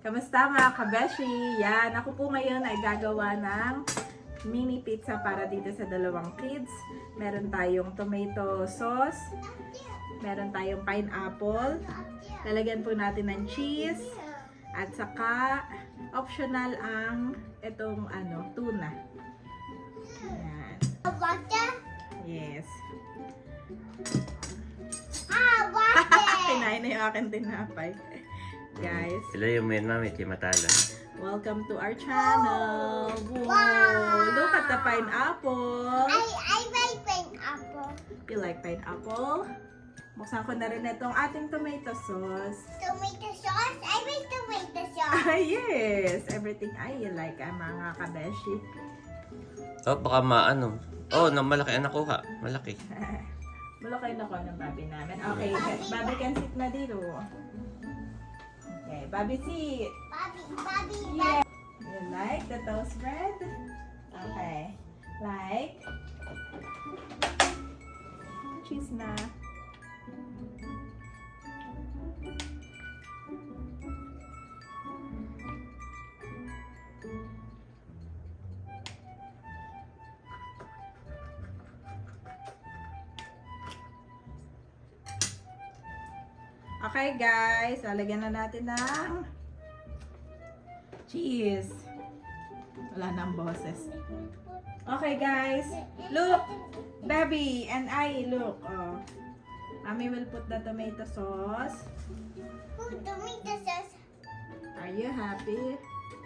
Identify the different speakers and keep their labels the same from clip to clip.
Speaker 1: Kamusta mga kabeshi? Yan, ako po ngayon ay gagawa ng mini pizza para dito sa dalawang kids. Meron tayong tomato sauce, meron tayong pineapple, lalagyan po natin ng cheese, at saka optional ang itong tuna. Yan. Yes. Kinain na yung aking tinapay. Guys,
Speaker 2: Sila yung main mami, si Matala.
Speaker 1: welcome to our channel. Wow! Look at the pineapple.
Speaker 3: I like pineapple.
Speaker 1: You like pineapple? Buksan ko na rin itong ating tomato sauce.
Speaker 3: Tomato sauce? I like tomato sauce.
Speaker 1: Ah, yes! Everything I like, mga kabeshi.
Speaker 2: Oh, baka maano. Oh, malaki ang nakuha. Malaki.
Speaker 1: Malaki na ko ng baby namin. Okay, baby can sit na dito. Okay, baby sit.
Speaker 3: Bobby.
Speaker 1: Yeah. You like the toast bread? Okay. Like? Cheese na. Okay guys, lalagyan na natin ng cheese. Wala nang boses. Okay guys, look! Baby and I, look. Oh. Mommy will put the tomato sauce.
Speaker 3: Tomato sauce.
Speaker 1: Are you happy?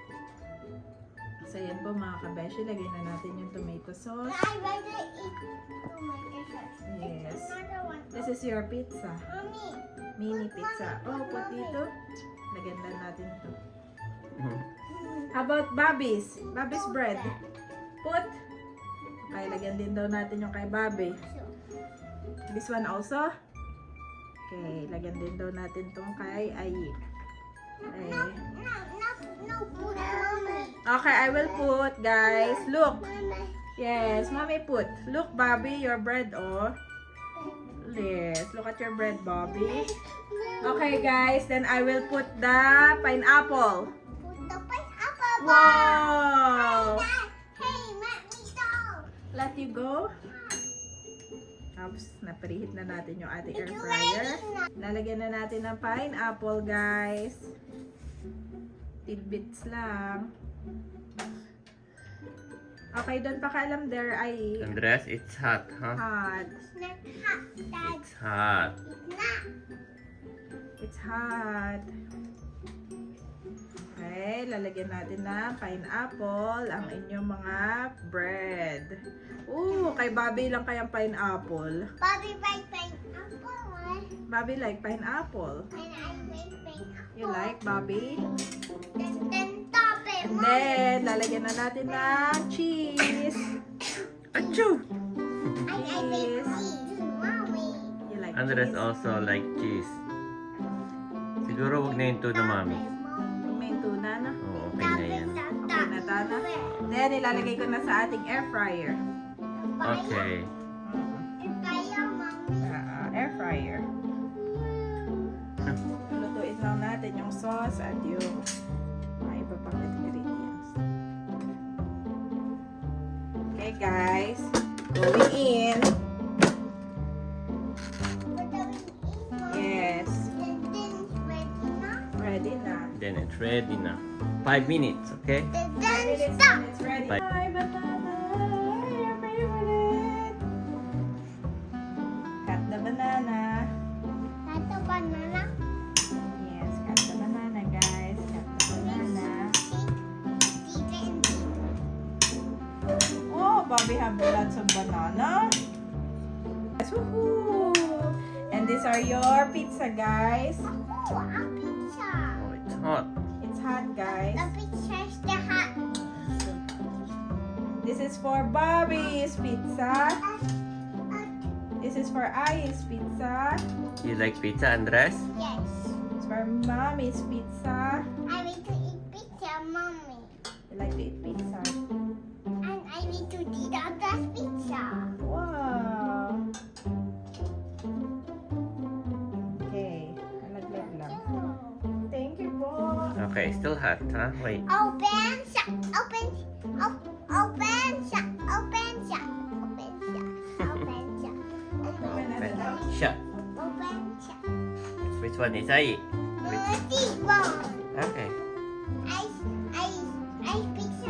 Speaker 1: So yan po mga kabeshi, lagyan na natin yung tomato sauce.
Speaker 3: I rather eat tomato sauce.
Speaker 1: Yes.
Speaker 3: Another one.
Speaker 1: This is your pizza.
Speaker 3: Mommy.
Speaker 1: Mini pizza. Oh, put dito. Lagyan na natin ito.
Speaker 2: Mhm.
Speaker 1: How about Bobby's? Bobby's bread. Put. Okay, lagyan din daw natin yung kay Bobby. This one also. Okay, lagyan din daw natin tong kay Ayi. Okay.
Speaker 3: No, put mommy.
Speaker 1: Okay, I will put, guys. Look.
Speaker 3: Mama.
Speaker 1: Yes, mommy put. Look, Bobby, your bread, oh. Yes, look at your bread, Bobby. Okay, guys, then I will put the pineapple.
Speaker 3: Put the pineapple.
Speaker 1: Wow!
Speaker 3: Hey, let me go.
Speaker 1: Let you go. Tapos, napreheat na natin yung ating air fryer. Nalagyan na natin ng pineapple, guys. Tidbits lang. Okay, doon pa kaalam there ay
Speaker 2: Andres, it's hot, huh?
Speaker 1: hot.
Speaker 3: It's not hot, Dad.
Speaker 2: It's hot.
Speaker 3: It's not.
Speaker 1: It's hot. Okay, lalagyan natin ng pineapple ang inyong mga bread. Ooh, kay Bobby lang kayang pineapple.
Speaker 3: Bobby like pineapple.
Speaker 1: Bobby like pineapple.
Speaker 3: And I like pineapple.
Speaker 1: You like, Bobby?
Speaker 3: Then top it,
Speaker 1: And
Speaker 3: Mommy.
Speaker 1: then, lalagyan na natin ng cheese.
Speaker 2: Achoo!
Speaker 3: I like cheese, Mommy.
Speaker 1: You like
Speaker 2: Andres
Speaker 1: cheese?
Speaker 2: also like cheese. Siguro wag na yung tuna, mami.
Speaker 1: May tuna na.
Speaker 2: Oo, okay na yan.
Speaker 1: Okay na, Tana. Then, ilalagay ko na sa ating air fryer.
Speaker 2: Okay.
Speaker 1: Air fryer. Lutuin lang natin yung sauce at yung mga iba pang ingredients. Okay, guys. Going in. Yes. Ready na.
Speaker 2: Then it's ready na. 5 minutes, okay?
Speaker 1: It's ready.
Speaker 2: Bye.
Speaker 1: Hi, banana. Your favorite. Cut the banana. Yes, cut the banana, guys. Cut the banana. Oh, Bobby have lots of banana. Yes, woohoo! And these are your pizza, guys.
Speaker 2: Oh, it's hot.
Speaker 1: It's hot, guys.
Speaker 3: The hot.
Speaker 1: This is for Bobby's pizza. This is for Ai's pizza.
Speaker 2: You like pizza, Andres?
Speaker 3: Yes.
Speaker 1: It's for Mommy's pizza.
Speaker 3: I need to eat pizza, Mommy.
Speaker 1: You like to eat pizza?
Speaker 3: And I need to eat other pizza.
Speaker 1: Wow! Okay. Alaglag lang. Thank you po.
Speaker 2: Okay. it's still hot, huh? Wait.
Speaker 3: Open shop. Open. Open shop. Open shop. Open shop. Open shop.
Speaker 2: Shut.
Speaker 3: Open shop.
Speaker 2: Which one is I?
Speaker 3: This one.
Speaker 2: Okay.
Speaker 3: I picture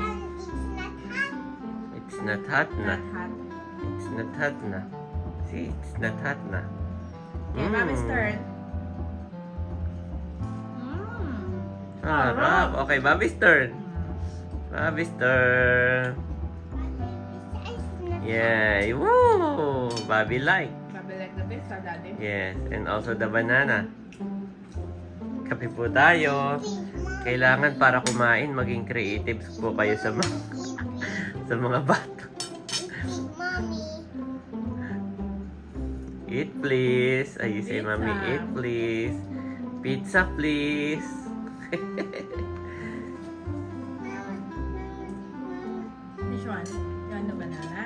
Speaker 3: it's not hot.
Speaker 2: It's not hot na.
Speaker 1: Not hot.
Speaker 2: It's not hot na. See, it's not hot na.
Speaker 1: Okay, Mommy's turn.
Speaker 2: Sarap. Okay, Bobby's turn. Bobby's turn. Yay! Woo! Bobby like.
Speaker 1: Bobby like the pizza, Daddy.
Speaker 2: Yes, and also the banana. Kape po tayo. Kailangan para kumain, maging creative po kayo sa mga, sa mga bata.
Speaker 3: Mommy.
Speaker 2: Eat please. Ay, you say,
Speaker 1: Pizza.
Speaker 2: Mommy, eat please. Pizza please.
Speaker 1: Which one? You want the banana?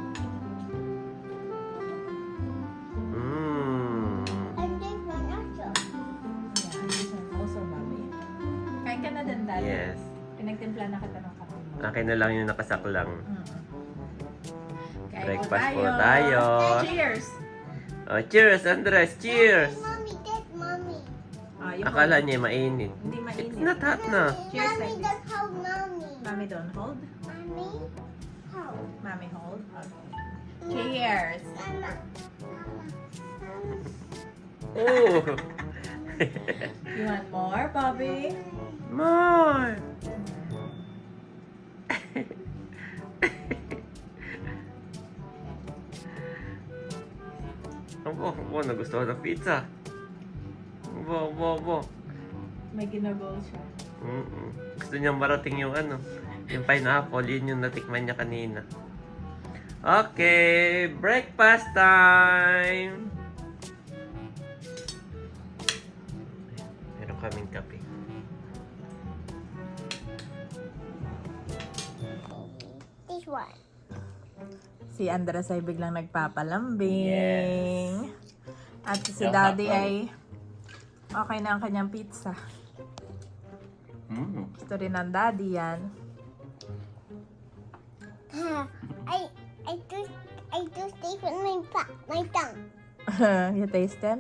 Speaker 2: Mmm.
Speaker 3: And this one also.
Speaker 1: Yeah, this one also, Bobby. Kain ka na din, Daddy.
Speaker 2: Yes.
Speaker 1: Pinagtimpla na kita ng kape mo.
Speaker 2: Akin na lang yung nakasaklang.
Speaker 1: Kain
Speaker 2: Breakfast po tayo.
Speaker 1: Cheers!
Speaker 2: Oh, cheers, Andres. Cheers.
Speaker 3: Mommy, that's mommy.
Speaker 1: You
Speaker 2: Akala
Speaker 1: hold.
Speaker 2: niya mainit.
Speaker 1: Hindi mainit.
Speaker 2: It's not hot na.
Speaker 1: Cheers
Speaker 3: Mommy,
Speaker 1: like this.
Speaker 3: that's how mommy.
Speaker 1: Mommy don't hold.
Speaker 3: Mommy, how?
Speaker 1: Mommy hold. Okay. Cheers!
Speaker 3: Mama.
Speaker 2: Oh.
Speaker 1: You want more, Bobby?
Speaker 2: More. Abo, nagustuhan ng pizza. Abo.
Speaker 1: May ginagawa siya.
Speaker 2: Gusto niyang marating yung ano, yung pineapple, yun yung natikman niya kanina. Okay, breakfast time! Meron kaming kape.
Speaker 3: This one.
Speaker 1: Si Andres ay biglang nagpapalambing.
Speaker 2: Yes.
Speaker 1: At si
Speaker 2: Yung
Speaker 1: Daddy
Speaker 2: hotdog.
Speaker 1: ay okay na ang kanyang pizza. Gusto rin ng Daddy yan.
Speaker 3: I do stay with my tongue.
Speaker 1: You taste them?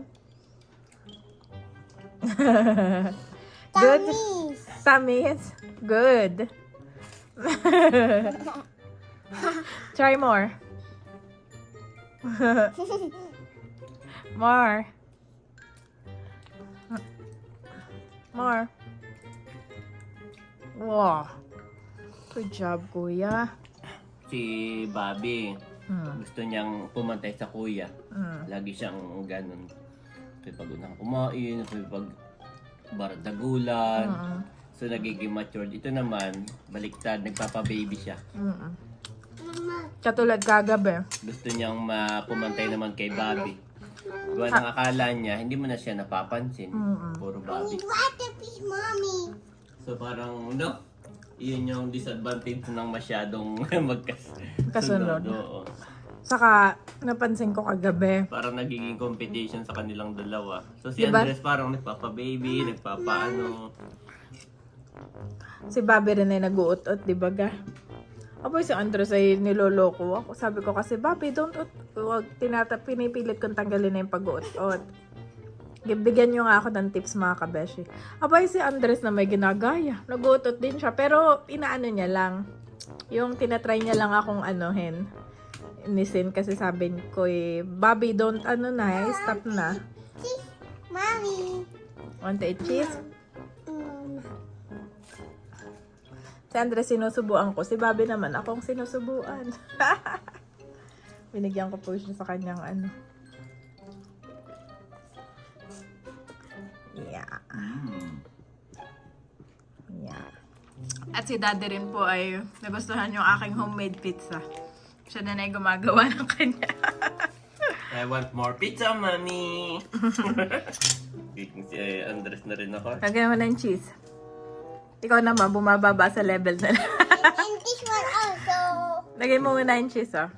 Speaker 1: Good?
Speaker 3: Tummies.
Speaker 1: Tamis? Good. Try more. More. More. Wow. Good job, Kuya.
Speaker 2: Si Bobby, gusto niyang pumantay sa kuya. Lagi siyang ganun. Pag unang kumain, pag bardagulan. So, nagiging matured. Ito naman, baliktad, nagpapa-baby siya.
Speaker 3: Mama.
Speaker 1: Katulad kagabi.
Speaker 2: Gusto niyang pumantay naman kay Bobby. Gawa ng akala niya, hindi mo na siya napapansin. Puro
Speaker 3: I
Speaker 2: Bobby.
Speaker 3: need water, please, mommy.
Speaker 2: So, parang, no? Iyon yung disadvantage ng masyadong
Speaker 1: Kasunod.
Speaker 2: magkasunod. Oo.
Speaker 1: Saka, napansin ko kagabi.
Speaker 2: Parang nagiging competition sa kanilang dalawa. So, si
Speaker 1: Diba?
Speaker 2: Andres parang nagpapa-baby, nagpapaano.
Speaker 1: Si Bobby rin ay nag-uot-ut, di ba ga? Aboy, si Andres ay niloloko ako. Sabi ko kasi, Bobby, don't ut. Huwag pinipilit kong tanggalin na yung pag-uot-ut. Bigyan nyo nga ako ng tips, mga kabeshi. Aboy, si Andres na may ginagaya. Nag-uot-ut din siya. Pero, inaano niya lang. Yung tinatry niya lang akong anuhin. Nisin kasi sabi ko Bobby, don't stop na.
Speaker 3: Cheese, mommy.
Speaker 1: Want to eat cheese?
Speaker 3: Mm.
Speaker 1: Si Andres sinusubuan ko. Si Bobby naman, akong sinusubuan. Binigyan ko po siya sa kanyang ano. Yeah. Yeah. At si Daddy rin po ay nagustuhan yung aking homemade pizza. Siya na ay gumagawa ng kanya.
Speaker 2: I want more pizza, mommy! Si Andres na rin ako.
Speaker 1: Lagyan mo ng cheese. Ikaw naman, bumababa sa level na lang.
Speaker 3: And this one also.
Speaker 1: Lagay mo muna yung cheese, oh.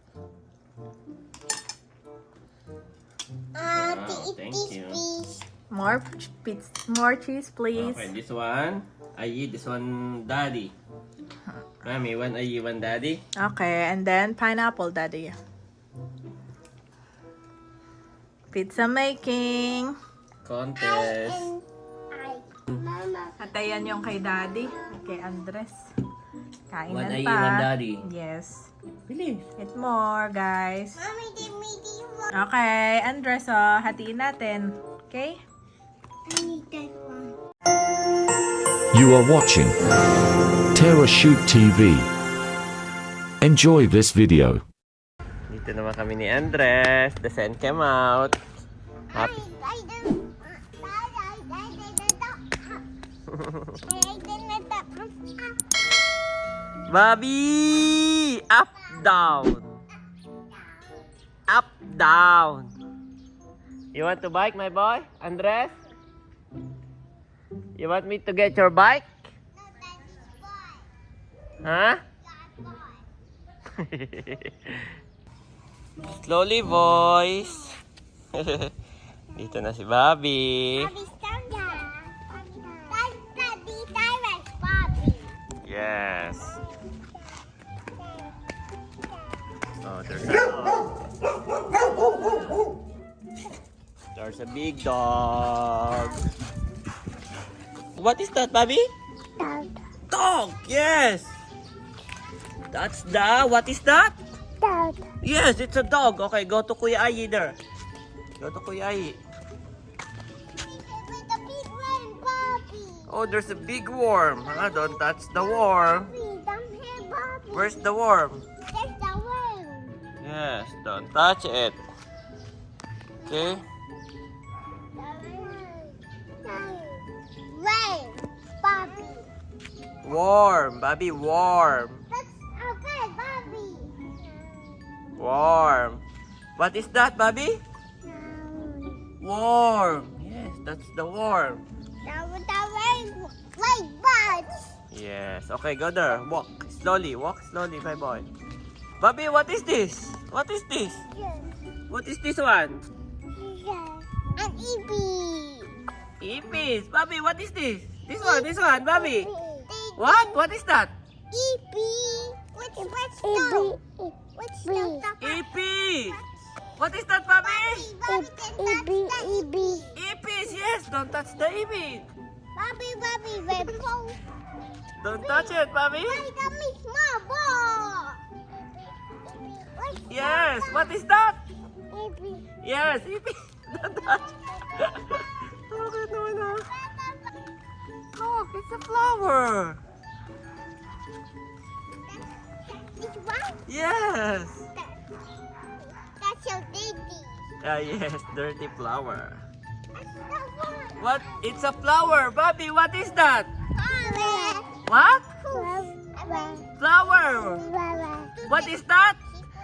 Speaker 3: To eat
Speaker 2: thank
Speaker 3: this,
Speaker 2: you.
Speaker 3: please.
Speaker 1: More cheese, please.
Speaker 2: Okay, this one, Ayi, this one, Daddy. Mommy, one Ayi, one Daddy.
Speaker 1: Okay, and then pineapple, Daddy. Pizza making.
Speaker 2: Contest.
Speaker 3: Mama.
Speaker 1: At ayan yung kay Daddy, kay Andres.
Speaker 2: One
Speaker 1: Kainan
Speaker 2: Ayi,
Speaker 1: pa.
Speaker 2: one Daddy.
Speaker 1: Yes.
Speaker 2: Bilis.
Speaker 1: Eat more, guys.
Speaker 3: Mommy, give me the one.
Speaker 1: Okay, Andres, oh, hatiin natin. Okay?
Speaker 3: I need that one.
Speaker 4: You are watching Terra Shoot TV. Enjoy this video.
Speaker 2: Dito naman kami ni Andres. The sun came out. Happy. Bobby! Up, down. Up, down. You want to bike, my boy? Andres? You want me to get your bike? Huh? Slowly, boys. Dito na si Bobby. Yes. Oh, there's a big dog. What is that, Bobby? Dog. Yes. That's the. What is that? Yes, it's a dog. Okay, go to Kuya Ayi there. Go to Kuya Ayi. Oh, there's a big worm. Huh? Don't touch the worm. Where's the worm? Yes, don't touch it. Okay. Worm, Bobby, worm. Worm. What is that, Bobby? Worm. Yes, that's the worm. Yes. Okay, go there. Walk slowly, my boy. Bobby, what is this? What is this? What is this one?
Speaker 3: An
Speaker 2: Ipis. Bobby, what is this? This one, Bobby. What? What is that? Ipis. What is that, Bobby? Ipis, yes. Don't touch the ipis. Don't touch it, Bobby. Yes. What is that? Yes, ipis. Don't touch. Okay, no. Look, it's a flower. Yes.
Speaker 3: That's your baby.
Speaker 2: Yes, dirty flower. What? It's a flower, Bobby. What is that? What? Flower. What is that?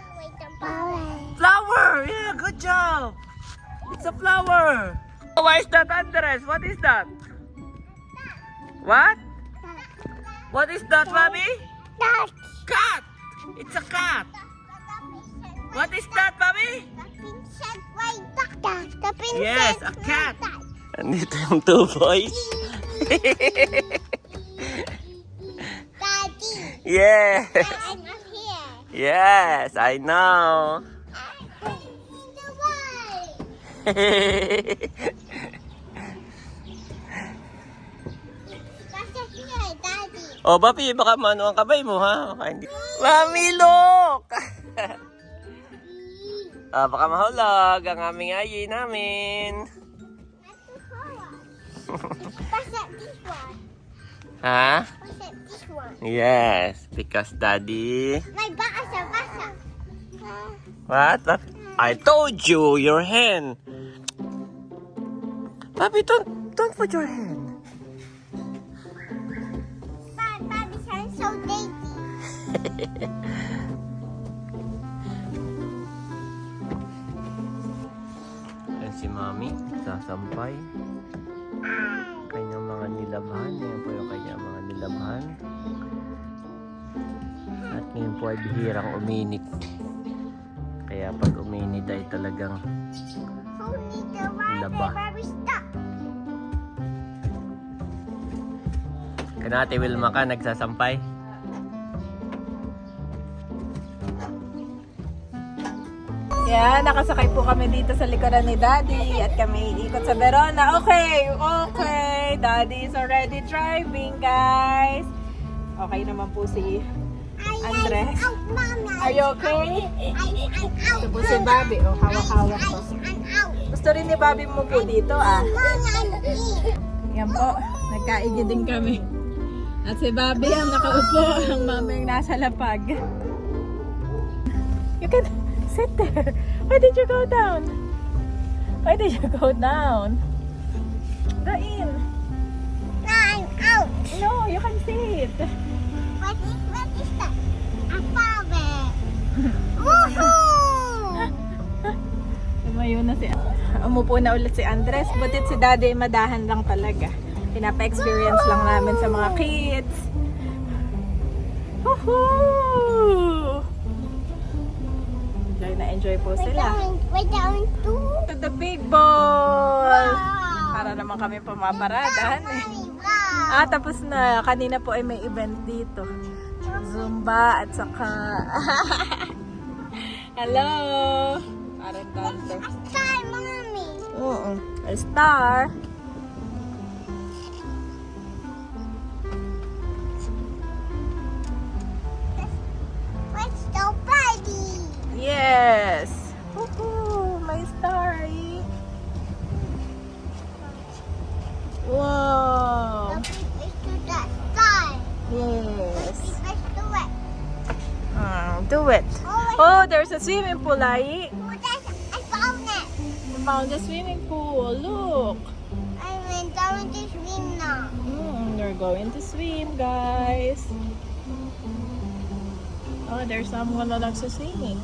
Speaker 2: Flower. Yeah, good job. It's a flower. Why is that, Andres? What is that? What? What is that, Bobby? Cat. It's a cat. What is that, Bobby? Yes, a cat. Andito yung two boys.
Speaker 3: Daddy,
Speaker 2: Yes.
Speaker 3: I'm up here.
Speaker 2: Yes, I know. Oh, Papi, baka mano ang kamay mo, ha? Baka hindi. Mami, look! Baka mahulog ang aming ayi namin. Ha? Yes, because Daddy...
Speaker 3: My basa.
Speaker 2: What? I told you, your hand. Papi, don't put your hand.
Speaker 3: Daddy sounds so dainty.
Speaker 2: Yan si Mami, sasampay. Kanyang mga nilabhan. Yan po yung kanyang mga nilabhan. At ngayon po ay bihirang uminit. Kaya pag uminit ay talagang
Speaker 3: Who need the water?
Speaker 2: Laba.
Speaker 3: Baby, stop.
Speaker 2: Kaya Ate Wilma ka nagsasampay.
Speaker 1: Yan, nakasakay po kami dito sa likuran ni Daddy at kami ikot sa Verona. Okay, okay. Daddy is already driving, guys. Okay naman po si Andres.
Speaker 3: Out, Mommy.
Speaker 1: Are you okay?
Speaker 3: I'm
Speaker 1: Ito po si Bobby. Oh, hawak-hawak po.
Speaker 3: I'm out.
Speaker 1: Gusto rin ni Bobby mo po dito, ah.
Speaker 3: Mommy, I'm in.
Speaker 1: Yan po, nagkaigi din kami. At si Bobby ang nakaupo, ang mamang nasa lapag. You can sit there. Why did you go down? Why did you go down? Go in.
Speaker 3: No, I'm out.
Speaker 1: No, you can sit.
Speaker 3: What is that? A father. Woohoo!
Speaker 1: Tumayo na si Umupo na ulit si Andres. Butit si Daddy madahan lang talaga. Pinapa-experience lang namin sa mga kids. Woohoo! Enjoy na enjoy po sila.
Speaker 3: We're going to.
Speaker 1: To the big ball!
Speaker 3: Wow.
Speaker 1: Para naman kami pumaparadahan eh.
Speaker 3: Wow.
Speaker 1: Tapos na. Kanina po ay may event dito. Zumba at saka... Hello! Parang dancer.
Speaker 3: Sky, Mommy.
Speaker 1: Oo. A star.
Speaker 3: Let's go party.
Speaker 1: Yes! Woohoo! May star eh. Wow!
Speaker 3: The big is to the sky.
Speaker 1: Yes.
Speaker 3: Big is to it.
Speaker 1: Do it. Oh, there's a swimming pool, Ai.
Speaker 3: I found it.
Speaker 1: You found the swimming pool. Look.
Speaker 3: I'm going to swim now.
Speaker 1: We're going to swim, guys. Oh, there's someone na nagsaswimming.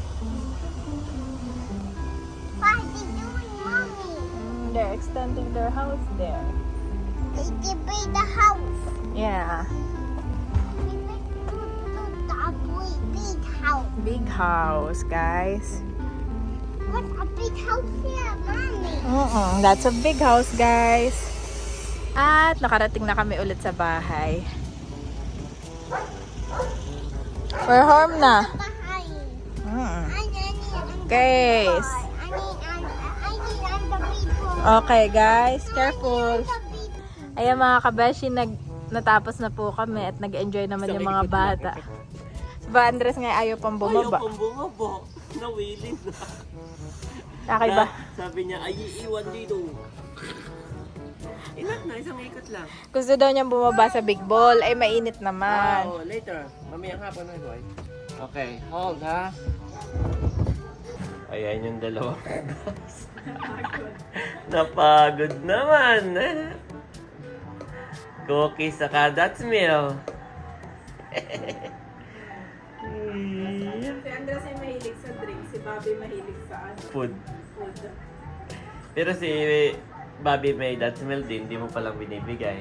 Speaker 3: What are they doing, Mommy?
Speaker 1: They're extending their house there.
Speaker 3: They can build the house.
Speaker 1: Yeah.
Speaker 3: We went to the big house.
Speaker 1: Big house, guys.
Speaker 3: What's a big house here, Mommy?
Speaker 1: That's a big house, guys. At nakarating na kami ulit sa bahay. We're home na.
Speaker 3: Behind.
Speaker 1: Mm.
Speaker 3: I need
Speaker 1: Guys.
Speaker 3: I need on the big one.
Speaker 1: Okay, guys. Careful.
Speaker 3: The big
Speaker 1: Ayan mga kabeshi, natapos na po kami at nag-enjoy naman yung mga bata. Si Ba Andres nga ayaw pang bumaba.
Speaker 2: Ayaw pang bumaba. Nawilin na.
Speaker 1: Okay ba?
Speaker 2: Sabi niya, ay iiwan dito. Inak na, isang ikot lang.
Speaker 1: Gusto daw niyang bumaba sa big ball. Ay, mainit naman.
Speaker 2: Wow, later. Mamayang hapon na, boy. Okay, hold ha. Ayan yung dalawa. Napagod naman. Cookies saka that's meal.
Speaker 1: Si Andres ay mahilig sa drink. Si Bobby mahilig sa
Speaker 2: Food.
Speaker 1: food.
Speaker 2: Pero si Bobby may that's meal din, hindi mo palang binibigay.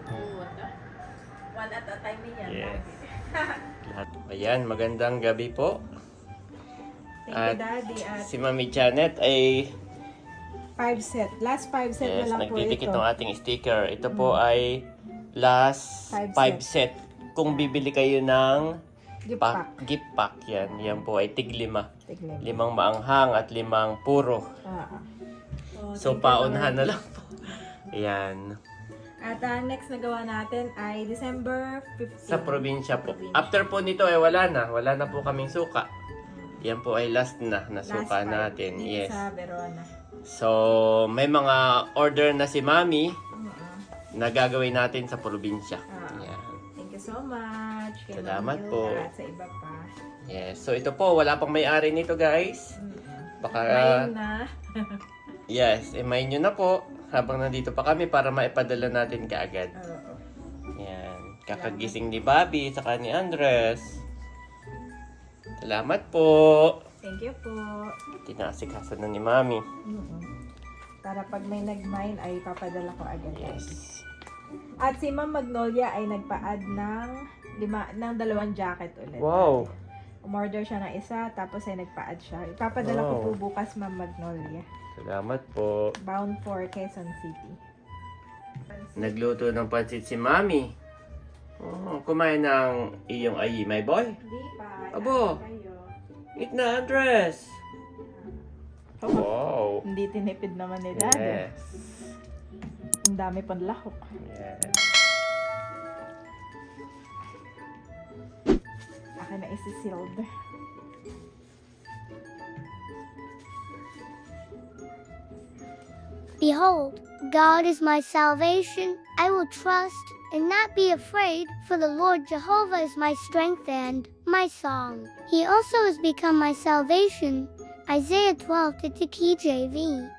Speaker 1: One at a time yan.
Speaker 2: Yes. Lahat. Ayan, magandang gabi po.
Speaker 1: Thank
Speaker 2: At
Speaker 1: you, Daddy. At
Speaker 2: si Mami Janet ay
Speaker 1: 5 set. Last 5 set
Speaker 2: yes,
Speaker 1: na lang po
Speaker 2: nagdidikit
Speaker 1: ito.
Speaker 2: ng ating sticker. Ito po ay last
Speaker 1: Five
Speaker 2: 5 set. Kung bibili kayo ng
Speaker 1: Gift pack.
Speaker 2: gift pack yan. Yan po ay tig 5.
Speaker 1: Tignan.
Speaker 2: 5 maanghang at 5 puro. So,
Speaker 1: thank you,
Speaker 2: paunahan na
Speaker 1: Lord.
Speaker 2: lang po. Ayan.
Speaker 1: At next na gawa natin ay December 15.
Speaker 2: Sa probinsya po. After po nito ay wala na. Wala na po kaming suka. Yan po ay last na suka
Speaker 1: Last
Speaker 2: natin.
Speaker 1: dito
Speaker 2: Yes.
Speaker 1: sa Verona.
Speaker 2: So, may mga order na si Mami na gagawin natin sa probinsya. Yan.
Speaker 1: Thank you so much. Kay
Speaker 2: Salamat
Speaker 1: Ma'am
Speaker 2: po.
Speaker 1: Hilda At sa iba pa.
Speaker 2: Yes. So, ito po. Wala pang may-ari nito, guys. Baka,
Speaker 1: Ngayon na.
Speaker 2: yes. Email nyo na po habang nandito pa kami para maipadala natin kaagad.
Speaker 1: Oo.
Speaker 2: Yan. Kakagising ni Bobby saka ni Andres. Salamat po.
Speaker 1: Thank you po.
Speaker 2: Tinasikaso na ni Mami.
Speaker 1: Para pag may nag-mine ay papadala ko agad.
Speaker 2: Yes.
Speaker 1: At si Ma'am Magnolia ay nagpa-add ng 2 jacket ulit.
Speaker 2: Wow.
Speaker 1: Umorder siya ng isa, tapos ay nagpa-add siya. Ipapadala ko
Speaker 2: Wow.
Speaker 1: po bukas, Ma'am Magnolia.
Speaker 2: Salamat po.
Speaker 1: Bound for Quezon City.
Speaker 2: Nagluto ng pansit si Mami. Oh, kumain ng iyong ayi, my boy.
Speaker 1: Hindi pa.
Speaker 2: Abo.
Speaker 1: Kayo.
Speaker 2: Eat na, Andres. Wow.
Speaker 1: Hindi tinipid naman ni Daddy.
Speaker 2: Yes.
Speaker 1: Ang dami pang lahok.
Speaker 2: Yes.
Speaker 1: Akin na isi-sealed.
Speaker 3: Behold, God is my salvation. I will trust and not be afraid, for the Lord Jehovah is my strength and my song. He also has become my salvation. Isaiah 12 to KJV.